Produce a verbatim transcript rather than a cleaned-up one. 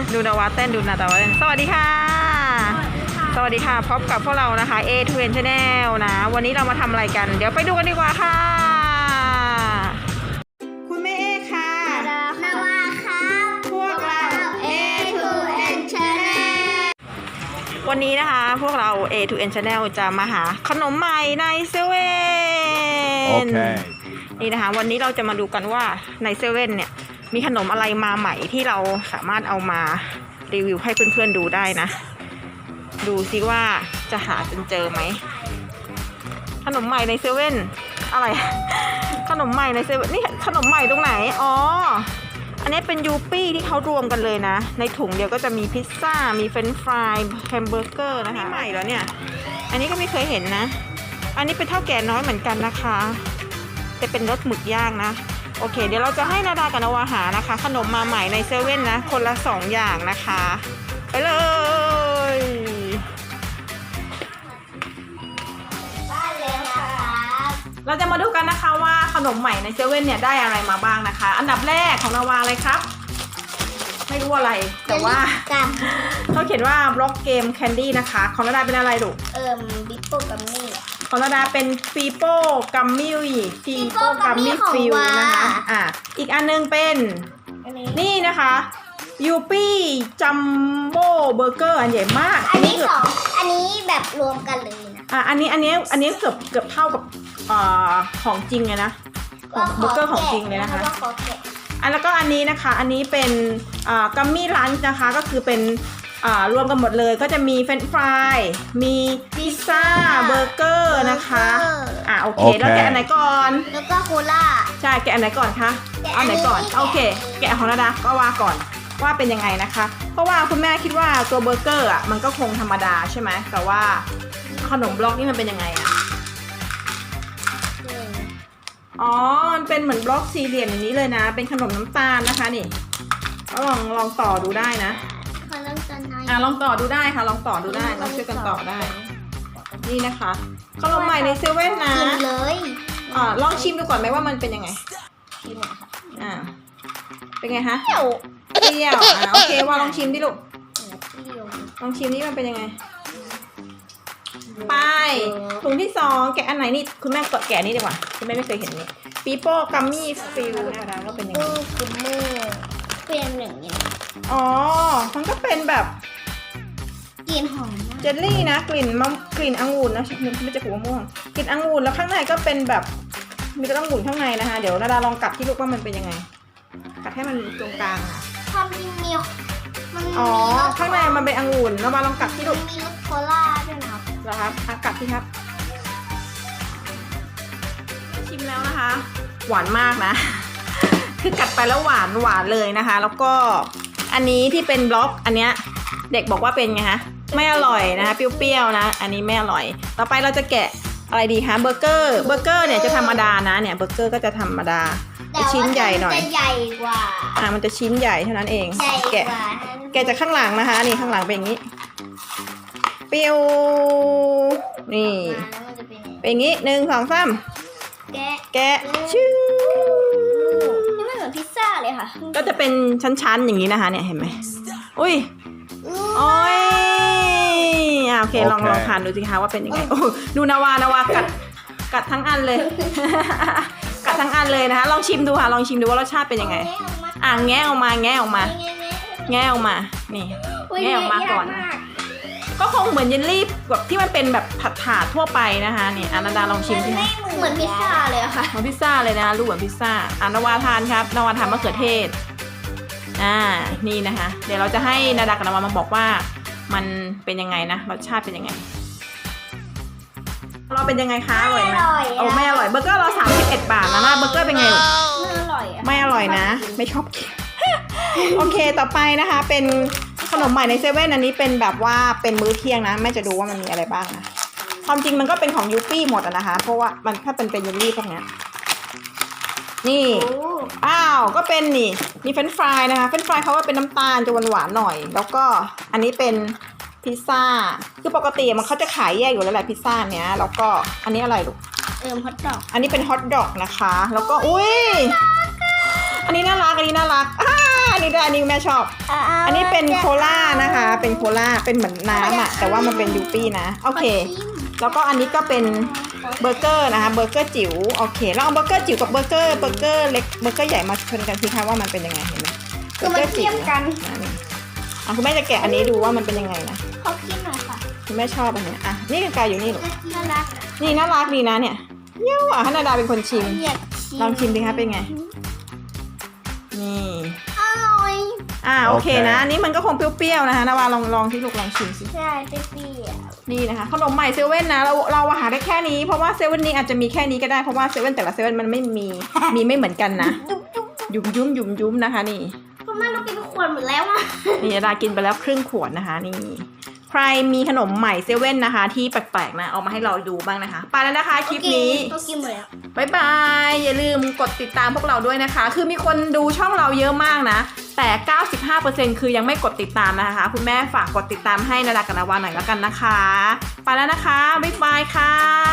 ดูนาวาเต้นดูนาตาวาเต้นสวัสดีค่ะสวัสดีค่ะพบกับพวกเรานะคะ เอ ทู เอ็น Channel นะวันนี้เรามาทำอะไรกันเดี๋ยวไปดูกันดีกว่าค่ะคุณแม่เอค่ะนาวาครับพวกเราเอ ทู เอ็น Channel วันนี้นะคะพวกเรา เอ ทู เอ็น Channel จะมาหาขนมใหม่ในเซเว่นโอเคนี่นะคะวันนี้เราจะมาดูกันว่าในเซเว่นเนี่ยมีขนมอะไรมาใหม่ที่เราสามารถเอามารีวิวให้เพื่อนๆดูได้นะดูซิว่าจะหาจนเจอไหมขนมใหม่ในเซเว่นอะไรขนมใหม่ในเซเว่นนี่ขนมใหม่ตรงไหนอ๋ออันนี้เป็นยูปี้ที่เขารวมกันเลยนะในถุงเดียวก็จะมีพิซซ่ามีเฟรนช์ฟรายแฮมเบอร์เกอร์นะคะใหม่แล้วเนี่ยอันนี้ก็ไม่เคยเห็นนะอันนี้เป็นเท่าแก่น้อยเหมือนกันนะคะจะเป็นรสหมึกย่างนะโอเคเดี๋ยวเราจะให้นาดากับนาวาหานะคะขนมมาใหม่ในเซเว่นนะคนละสองอย่างนะคะไปเลยเราจะมาดูกันนะคะว่าขนมใหม่ในเซเว่นเนี่ยได้อะไรมาบ้างนะคะอันดับแรกของนาวาอะไรครับไม่รู้อะไรแต่ว่าเขาเขียนว่าบล็อกเกมแคนดี้นะคะของนาดาเป็นอะไรลูกเอิ่มบิปโป้กัมมี่ของนาดาเป็นปีโป้กัมมี่ปีโป้กัมมี่ฟิลนะคะอ่ะอีกอันนึงเป็นนี่นะคะยูปี้จัมโบ้เบอร์เกอร์อันใหญ่มากอันนี้สองอันนี้แบบรวมกันเลยนะอ่ะอันนี้อันนี้อันนี้เกือบเกือบเท่ากับอ่าของจริงเลยนะของเบอร์เกอร์ของจริงเลยนะคะอันแล้วก็อันนี้นะคะอันนี้เป็นอ่ากัมมี่ลันช์นะคะก็คือเป็นอ่ารวมกันหมดเลยก็จะมีเฟรนช์ฟรายมีพิซซ่าเบอร์เกอร์นะคะอ่ะโอเคแล้วแกะอันไหนก่อนแล้วก็โคล่าใช่แกะอันไหนก่อนคะอันไหนก่อนโอเคแกะของนาดาก็ว่าก่อนว่าเป็นยังไงนะคะเพราะว่าคุณแม่คิดว่าตัวเบอร์เกอร์อ่ะมันก็คงธรรมดาใช่ไหมแต่ว่าขนมบล็อกนี่มันเป็นยังไงอ่ะอ๋อมันเป็นเหมือนบล็อกสี่เหลี่ยมอย่างนี้เลยนะเป็นขนมน้ำตาลนะคะนี่ก็ลองลองต่อดูได้นะอ่ะลองต่อดูได้ค่ะลองต่อดูได้ลองช่วยกันต่อได้นี่นะคะขนมใหม่ในเซเว่นนะเลยอ่าลองชิมดูก่อนไหมว่ามันเป็นยังไงชิมค่ะอ่าเป็นไงคะเปรี้ยวอ่าโอเคว่าลองชิมดิลูกลองชิมนี่มันเป็นยังไงไปถุงที่สองแกะอันไหนนี่คุณแม่กดแกะนี่ดีกว่าคุณแม่ไม่เคยเห็นนี่ปีโป้กัมมี่ฟิลนะคะก็เป็นยังไงคือเมื่อเป็นหนึ่งอย่างอ๋อมันก็เป็นแบบกลิ่นหอมเจลลี่นะกลิ่นมะกลิ่นองุ่นนะไม่ใช่ผงมะม่วงกลิ่นองุ่นแล้วข้างในก็เป็นแบบมีกระต้ององุ่นข้างในนะคะเดี๋ยวนาดาลองกัดที่ลูกว่ามันเป็นยังไงกัดให้มันตรงกลางอ่ะความจริงมีอ๋อข้างในมันเป็นองุ่นเรามาลองกัดที่ลูกมีรสโคล่าด้วยนะครับเหรอครับกัดที่ครับชิมแล้วนะคะหวานมากนะคือกัดไปแล้วหวานหวานเลยนะคะแล้วก็อันนี้ที่เป็นบล็อกอันเนี้ยเด็กบอกว่าเป็นไงคะไม่อร่อยนะคะเปรี้ยวๆนะอันนี้ไม่อร่อยต่อไปเราจะแกะอะไรดีคะเบอร์เกอร์เบอร์เกอร์เนี่ยจะธรรมดานะเนี่ยเบอร์เกอร์ก็จะธรรมดาชิ้นใหญ่หน่อยจะใหญ่กว่าอ่ามันจะชิ้นใหญ่เท่านั้นเองแกะแกะจากข้างหลังนะคะนี่ข้างหลังเป็นอย่างนี้เปรี้ยวนี่เป็นอย่างนี้หนึ่งสองสามแกะแกะชื่อนี่มันเหมือนพิซซ่าเลยค่ะก็จะเป็นชั้นๆอย่างนี้นะคะเนี่ยเห็นไหมอุ้ยโอ้ยอ่าโอเคลองลองทานดูสิคะว่าเป็นยังไงโอ้ดูนาวานาวากัดกัดทั้งอันเลยกัดทั้งอันเลยนะคะลองชิมดูค่ะลองชิมดูว่ารสชาติเป็นยังไงอ่ะแงะออกมาแงะออกมาแงะออกมานี่แงะออกมาก่อนก็คงเหมือนเยลลี่แบบที่มันเป็นแบบผัดถาดทั่วไปนะคะนี่อานาดาลองชิมสิคะเหมือนพิซซ่าเลยค่ะเหมือนพิซซ่าเลยนะรูปเหมือนพิซซ่าอ่านาวาทานครับนาวาทานมะเขือเทศอ่านี่นะคะเดี๋ยวเราจะให้นาดากับนาวามาบอกว่ามันเป็นยังไงนะรสชาติเป็นยังไงเราเป็นยังไงคะอร่อยไหมโอ้ไม่อร่อยเบอร์เกอร์เราสามสิบเอ็ดบาทนะนะเบอร์เกอร์เป็นไงไม่อร่อยไม่อร่อยนะไม่ชอบกินโอเคต่อไปนะคะเป็นขนมใหม่ในเซเว่นอันนี้เป็นแบบว่าเป็นมื้อเที่ยงนะแม่จะดูว่ามันมีอะไรบ้างนะความจริงมันก็เป็นของยูปี้หมดนะคะเพราะว่ามันถ้าเป็นเป็นเยลลี่พวกนี้นี่อ้าวก็เป็นนี่มีเฟรนช์ฟรายนะคะเฟรนช์ฟรายเขาว่าเป็นน้ำตาลจะหวานหวานหน่อยแล้วก็อันนี้เป็นพิซซ่าคือปกติมันเขาจะขายแยกอยู่แล้วแหละพิซซ่าเนี้ยแล้วก็อันนี้อะไรลูกเอิ่มฮอทดอกอันนี้เป็นฮอทดอกนะคะแล้วก็อุ้ยอันนี้น่ารักอันนี้น่ารักอ่าอันนี้ด้วยอันนี้แม่ชอบ อันนี้เป็นโคลานะคะ เป็นโคลาเป็นเหมือนน้ำอ่ะแต่ว่ามันเป็นยูปี้นะโอเคแล้วก็อันนี้ก็เป็นเบอร์เกอร์นะคะเบอร์เกอร์จิ๋วโอเคเราเอาเบอร์เกอร์จิ๋วกับเบอร์เกอร์เบอร์เกอร์เล็กเบอร์เกอร์ใหญ่มาชนกันสิคะว่ามันเป็นยังไงเห็นไหมคือมันเทียมกันอ่ะคุณแม่จะแกะอันนี้ดูว่ามันเป็นยังไงนะขอกินหน่อยค่ะคุณแม่ชอบอันเนี้ยอ่ะนี่กายอยู่นี่หรอน่ารักนี่น่ารักดีนะเนี่ยเยี่ยวอ่ะให้นาดาเป็นคนชิมอยากชิมลองชิมดิคะเป็นไงนี่อร่อยอ่าโอเคโอเคนะอันนี้มันก็คงเปรี้ยวๆนะคะนาวาลองลองที่ลูกลองชิมสิใช่เปรี้ยวนี่นะคะขนมใหม่เซเว่นนะเราเราหาได้แค่นี้เพราะว่าเซเว่นนี้อาจจะมีแค่นี้ก็ได้เพราะว่าเซเว่นแต่ละเซเว่นมันไม่มีมีไม่เหมือนกันนะจุ๊บจุ๊บยุ่มยุ่มยุ่มยุ่มนะคะนี่คุณแม่เรากินขวดหมดแล้วอ่ะนี่นาดากินไปแล้วครึ่งขวดนะคะนี่ใครมีขนมใหม่เซเว่นนะคะ ที่แปลกๆนะเอามาให้เราดูบ้างนะคะไปแล้วนะคะคลิปนี้ก็กินหมดแล้วบายบายอย่าลืมกดติดตามพวกเราด้วยนะคะ คือมีคนดูช่องเราเยอะมากนะแต่ เก้าสิบห้าเปอร์เซ็นต์ คือยังไม่กดติดตามนะคะ คุณแม่ฝากกดติดตามให้นาดากับนาวาหน่อยแล้วกันนะคะไปแล้วนะคะบ๊ายบายค่ะ